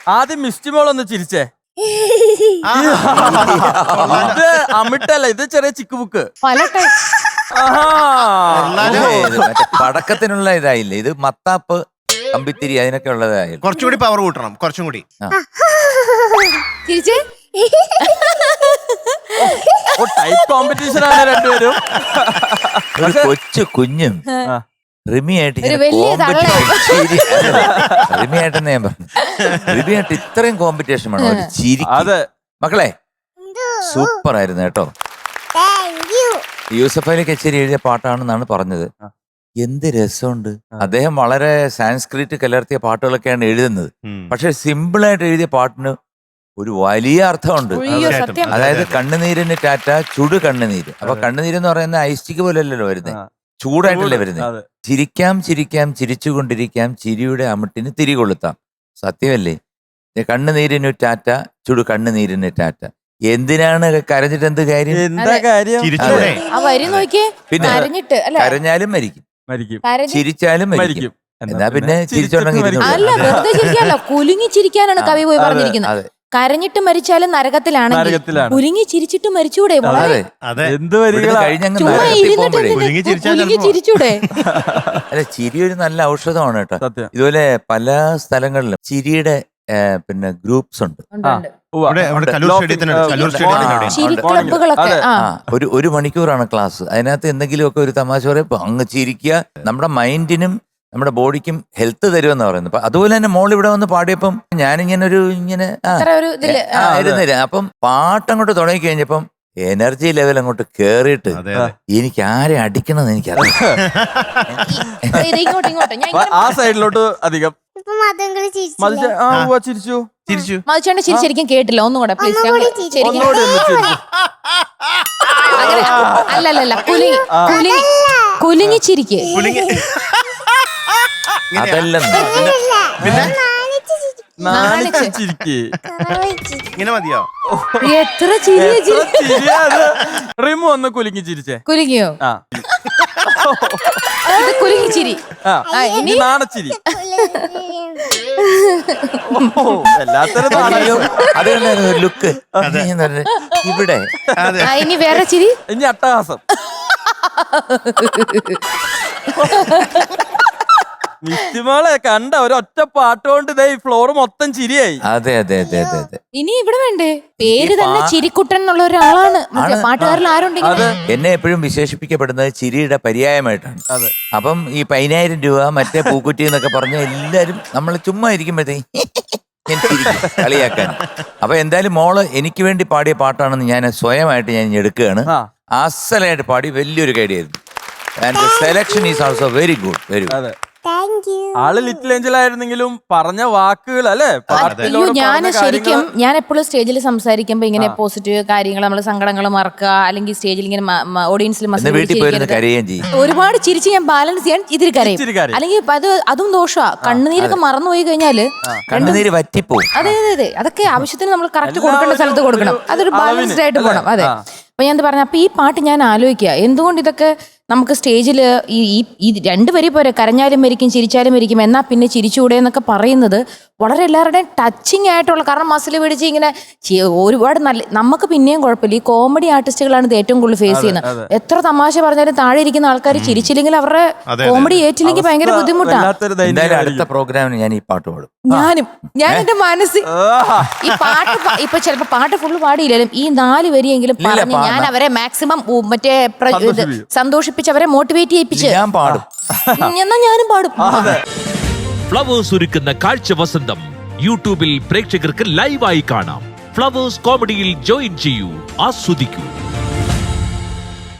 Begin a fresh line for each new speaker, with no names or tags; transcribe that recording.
ആദ്യം മിസ്റ്റിമോളൊന്ന് ചിരിച്ചേ. ഇത് അമിട്ടല്ല, ഇത് ചെറിയ ചിക്ക് ബുക്ക്.
മറ്റേ പടക്കത്തിനുള്ള ഇതായില്ലേ, ഇത് മത്താപ്പ് കമ്പിത്തിരി അതിനൊക്കെ ഉള്ളതായി.
കുറച്ചുകൂടി പവർ കൂട്ടണം, കുറച്ചും കൂടി.
ടൈപ്പ് കോമ്പറ്റീഷൻ ആണ് രണ്ടുപേരും.
ഒരു കൊച്ചു കുഞ്ഞും റിമിയായിട്ട് റിമിയായിട്ടെന്ന് ഞാൻ പറഞ്ഞു. റിമിയായിട്ട് ഇത്രയും കോമ്പറ്റീഷൻ വേണം ഒരു ചിരി. മക്കളെ സൂപ്പർ ആയിരുന്നു കേട്ടോ. യൂസഫ് അലി കച്ചേരി എഴുതിയ പാട്ടാണെന്നാണ് പറഞ്ഞത്. എന്ത് രസമുണ്ട്. അദ്ദേഹം വളരെ സാൻസ്ക്രിറ്റ് കലർത്തിയ പാട്ടുകളൊക്കെയാണ് എഴുതുന്നത്. പക്ഷെ സിമ്പിളായിട്ട് എഴുതിയ പാട്ടിന് ഒരു വലിയ അർത്ഥമുണ്ട്. അതായത് കണ്ണുനീരിന് ടാറ്റ ചുടു കണ്ണുനീര്. അപ്പൊ കണ്ണുനീരെന്ന് പറയുന്ന ഐസ്റ്റിക് പോലെയല്ലല്ലോ വരുന്നത്, ചൂടായിട്ടല്ലേ വരുന്നത്. ചിരിക്കാം ചിരിക്കാം ചിരിച്ചുകൊണ്ടിരിക്കാം ചിരിയുടെ അമിട്ടിന് തിരികൊളുത്താം. സത്യമല്ലേ? കണ്ണുനീരിന് ടാറ്റ ചുടു കണ്ണുനീരിന് ടാറ്റ. എന്തിനാണ് കരഞ്ഞിട്ട് എന്ത് കാര്യം? പിന്നെ കരഞ്ഞാലും മരിക്കും, ചിരിച്ചാലും മരിക്കും. എന്നാ പിന്നെ ചിരിച്ചോണ്ടെങ്കിൽ
കുലുങ്ങി ചിരിക്കാനാണ് കവി പോയി പറഞ്ഞിരിക്കുന്നത്. കരഞ്ഞിട്ട് മരിച്ചാലും നരകത്തിലാണെങ്കിൽ കുലുങ്ങി ചിരിച്ചിട്ട് മരിച്ചൂടെ? ചിരിച്ചൂടെ?
അല്ല, ചിരി ഒരു നല്ല ഔഷധമാണ് കേട്ടോ. ഇതുപോലെ പല സ്ഥലങ്ങളിലും ചിരിയുടെ പിന്നെ ഗ്രൂപ്പ്സ് ഉണ്ട്. ഒരു മണിക്കൂറാണ് ക്ലാസ്. അതിനകത്ത് എന്തെങ്കിലുമൊക്കെ ഒരു തമാശ പറയുമ്പോ അങ്ങ് ചിരിക്കുക. നമ്മുടെ മൈൻഡിനും നമ്മുടെ ബോഡിക്കും ഹെൽത്ത് തരുമെന്ന് പറയുന്നത്. അതുപോലെ തന്നെ മോൾ ഇവിടെ വന്ന് പാടിയപ്പം ഞാനിങ്ങനെ ഇരുന്നില്ല. അപ്പം പാട്ടങ്ങോട്ട് തുടങ്ങി കഴിഞ്ഞപ്പം എനർജി ലെവൽ അങ്ങോട്ട് കേറിയിട്ട് എനിക്ക് ആരെ അടിക്കണമെന്ന് എനിക്കറിയാം.
ആ സൈഡിലോട്ട് അധികം
ശരിക്കും കേട്ടില്ല. ഒന്നുകൂടെ പ്ലീസ്. അല്ലല്ല, കുലുങ്ങി ചിരിക്ക്.
ഇങ്ങനെ മതിയോ?
എത്ര ചിരിയ
റിമു ഒന്ന് കുലുങ്ങി ചിരിച്ചേ.
കുലുങ്ങിയോ? കുലുങ്ങി ചിരി.
നാണച്ചിരി.
ലുക്ക് ഇവിടെ.
ഇനി വേറെ ചിരി.
ഇനി അട്ടഹാസം. മിസ്റ്റിമോളെ കണ്ട ഒരൊറ്റ പാട്ടുകൊണ്ട് ഇതേ ഫ്ലോർ മൊത്തം ചിരിയായി.
അതെ അതെ അതെ അതെ അതെ.
ഇനി ഇവിടെ വേണ്ടേ? പേര് തന്നെ ചിരിക്കുട്ടൻ എന്നുള്ള ഒരാളാണ് പാട്ടുകാരിൽ ആരുണ്ടെങ്കിൽ.
എന്നെ എപ്പോഴും വിശേഷിപ്പിക്കപ്പെടുന്നത് ചിരിയുടെ പര്യായമായിട്ടാണ്. അപ്പം ഈ 10,000 രൂപ മറ്റേ പൂക്കുറ്റി എന്നൊക്കെ പറഞ്ഞ എല്ലാരും നമ്മൾ ചുമ്മാ ഇരിക്കുമ്പോഴത്തേക്ക് കളിയാക്കാൻ. അപ്പൊ എന്തായാലും മോള് എനിക്ക് വേണ്ടി പാടിയ പാട്ടാണെന്ന് ഞാൻ സ്വയമായിട്ട് ഞാൻ എടുക്കുകയാണ്. അസലായിട്ട് പാടി വലിയൊരു കാര്യമായിരുന്നു. And selection is also very good, very good.
ആള് ലിറ്റിൽ ഏഞ്ചൽ ആയിരുന്നെങ്കിലും പറഞ്ഞ വാക്കുകൾ അല്ലേ.
ഞാൻ എപ്പോഴും സ്റ്റേജിൽ സംസാരിക്കുമ്പോ ഇങ്ങനെ പോസിറ്റീവ് കാര്യങ്ങൾ, നമ്മള് സങ്കടങ്ങൾ മറക്കുക, അല്ലെങ്കിൽ സ്റ്റേജിൽ ഇങ്ങനെ ഓഡിയൻസിൽ ഒരുപാട് ചിരിച്ച് ഞാൻ ബാലൻസ് ചെയ്യാൻ ഇതിൽ കരയും. അല്ലെങ്കിൽ അതും ദോഷമാണ്. കണ്ണുനീരൊക്കെ മറന്നുപോയി കഴിഞ്ഞാല്
കണ്ണുനീര് വറ്റിപ്പോവും.
അതെ അതെ അതെ. അതൊക്കെ ആവശ്യത്തിന് നമ്മൾ കറക്റ്റ് കൊടുക്കേണ്ട സ്ഥലത്ത് കൊടുക്കണം. അതൊരു ബാലൻസ്ഡ് ആയിട്ട് പോകണം. അതെ. അപ്പൊ ഞാൻ പറഞ്ഞു, അപ്പൊ ഈ പാട്ട് ഞാൻ ആലോചിക്കുക എന്തുകൊണ്ട് ഇതൊക്കെ നമുക്ക് സ്റ്റേജിൽ ഈ രണ്ടുപേരി പോരെ, കരഞ്ഞാലും മരിക്കും ചിരിച്ചാലും മരിക്കും, എന്നാ പിന്നെ ചിരിച്ചുകൂടെ എന്നൊക്കെ പറയുന്നത് വളരെ എല്ലാവരുടെയും ടച്ചിങ് ആയിട്ടുള്ള. കാരണം മസിൽ പിടിച്ച് ഇങ്ങനെ ഒരുപാട് നല്ല, നമുക്ക് പിന്നെയും കുഴപ്പമില്ല. ഈ കോമഡി ആർട്ടിസ്റ്റുകളാണ് ഇത് ഏറ്റവും കൂടുതൽ ഫേസ് ചെയ്യുന്നത്. എത്ര തമാശ പറഞ്ഞാലും താഴെ ഇരിക്കുന്ന ആൾക്കാർ ചിരിച്ചില്ലെങ്കിൽ അവരുടെ കോമഡി ഏറ്റില്ലെങ്കിൽ ഭയങ്കര ബുദ്ധിമുട്ടാണ്.
അടുത്ത പ്രോഗ്രാമിന് ഞാൻ ഈ പാട്ട് പാടും.
ഞാൻ എന്റെ മനസ്സിൽ ഈ പാട്ട് ഇപ്പൊ ചിലപ്പോ പാട്ട് ഫുള്ള് പാടിയില്ലാലും ഈ 4 വരിയെങ്കിലും പറഞ്ഞ് ഞാൻ അവരെ മാക്സിമം മറ്റേ സന്തോഷിപ്പിച്ച് അവരെ മോട്ടിവേറ്റ് ചെയ്യിപ്പിച്ച് എന്നാ ഞാനും പാടും.
ഫ്ലവേഴ്സ് ഒരുക്കുന്ന കാഴ്ച വസന്തം യൂട്യൂബിൽ പ്രേക്ഷകർക്ക് ലൈവായി കാണാം. ഫ്ലവേഴ്സ് കോമഡിയിൽ ജോയിൻ ചെയ്യൂ, ആസ്വദിക്കൂ.